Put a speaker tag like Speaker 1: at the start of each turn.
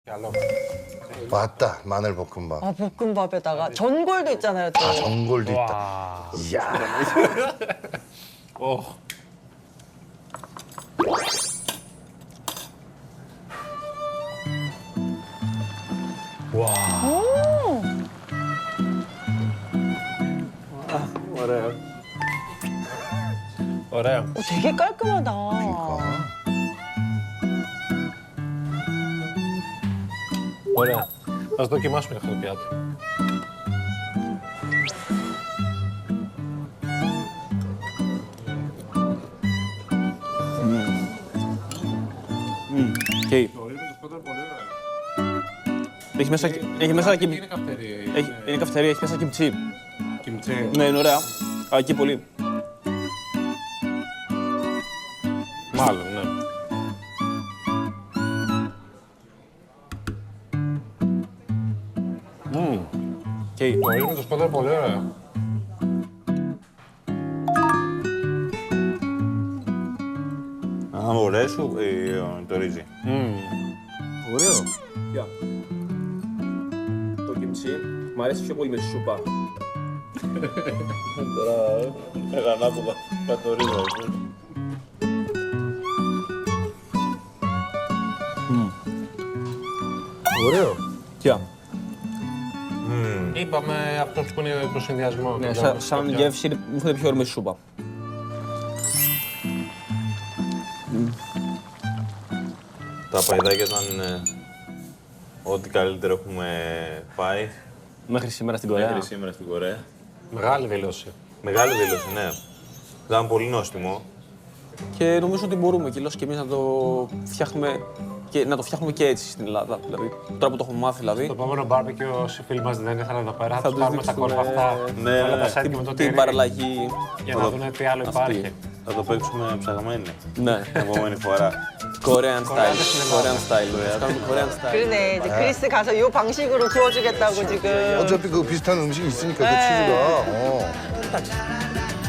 Speaker 1: 알로.
Speaker 2: 맞다, 마늘 볶음밥.
Speaker 3: 아, 볶음밥에다가 전골도 있잖아요, 또.
Speaker 2: 아, 전골도 있다.
Speaker 1: 와.
Speaker 2: 이야.
Speaker 1: 오. 와.
Speaker 3: 오,
Speaker 1: 어래요. 어래요.
Speaker 3: 되게 깔끔하다.
Speaker 2: 그러니까.
Speaker 1: Ωραία. Ας δοκιμάσουμε αυτό το πιάτο.
Speaker 4: Okay. Έχει μέσα,
Speaker 1: Είναι καυτερή.
Speaker 4: είναι καυτερία, έχει μέσα κιμτσί.
Speaker 1: Κιμτσέ.
Speaker 4: Ναι, είναι ωραία. Εκεί πολύ.
Speaker 1: Μάλλον, ναι.
Speaker 4: Okay.
Speaker 1: Το ήρμο το σπότα είναι πολύ ωραίο.
Speaker 5: Α, μου αρέσει το ρύζι.
Speaker 4: Ωραίο. Γεια. Το κιμτσί μου αρέσει πιο πολύ με τη σούπα.
Speaker 5: Τώρα έλα ανάποδα, το ρύζι.
Speaker 2: ωραίο.
Speaker 4: Γεια.
Speaker 1: Είπαμε αυτός που είναι το συνδυασμό.
Speaker 4: Ναι,
Speaker 1: το
Speaker 4: σαν
Speaker 1: πιάτο.
Speaker 4: γεύση μου φαίνεται πιο όρμη η σούπα.
Speaker 5: Τα παϊδάκια ήταν ό,τι καλύτερο έχουμε φάει
Speaker 4: Μέχρι σήμερα στην Κορέα.
Speaker 5: μέχρι σήμερα στην Κορέα.
Speaker 1: Μεγάλη δήλωση.
Speaker 5: Μεγάλη δήλωση, ναι. Ήταν πολύ νόστιμο.
Speaker 4: Και νομίζω ότι μπορούμε κιόλας και εμείς να το φτιάχνουμε και, να το φτιάχνουμε και έτσι στην Ελλάδα. Δηλαδή, τώρα που το έχουμε μάθει, δηλαδή.
Speaker 1: Το επόμενο barbecue, όσοι φίλοι μας δεν ήρθαν εδώ πέρα, θα τους
Speaker 4: τους
Speaker 1: πάρουμε τα
Speaker 4: δείξουμε,
Speaker 1: κόρφα αυτά,
Speaker 5: ναι,
Speaker 1: όλα
Speaker 5: ναι.
Speaker 1: τα σέντια με το
Speaker 4: Την
Speaker 1: τυρί,
Speaker 4: παραλλαγή.
Speaker 1: για να δουν τι άλλο υπάρχει.
Speaker 5: Θα το παίξουμε ψαγμένοι
Speaker 4: Ναι.
Speaker 5: την επόμενη φορά.
Speaker 4: Korean style.
Speaker 1: στην
Speaker 4: Korean style. κάνουμε Korean style.
Speaker 3: 그러네, 이제 그리스 가서 이 방식으로 구워주겠다고 지금.
Speaker 2: 어차피 그 비슷한 음식이 있으니까 그
Speaker 3: 네.
Speaker 2: 치즈가.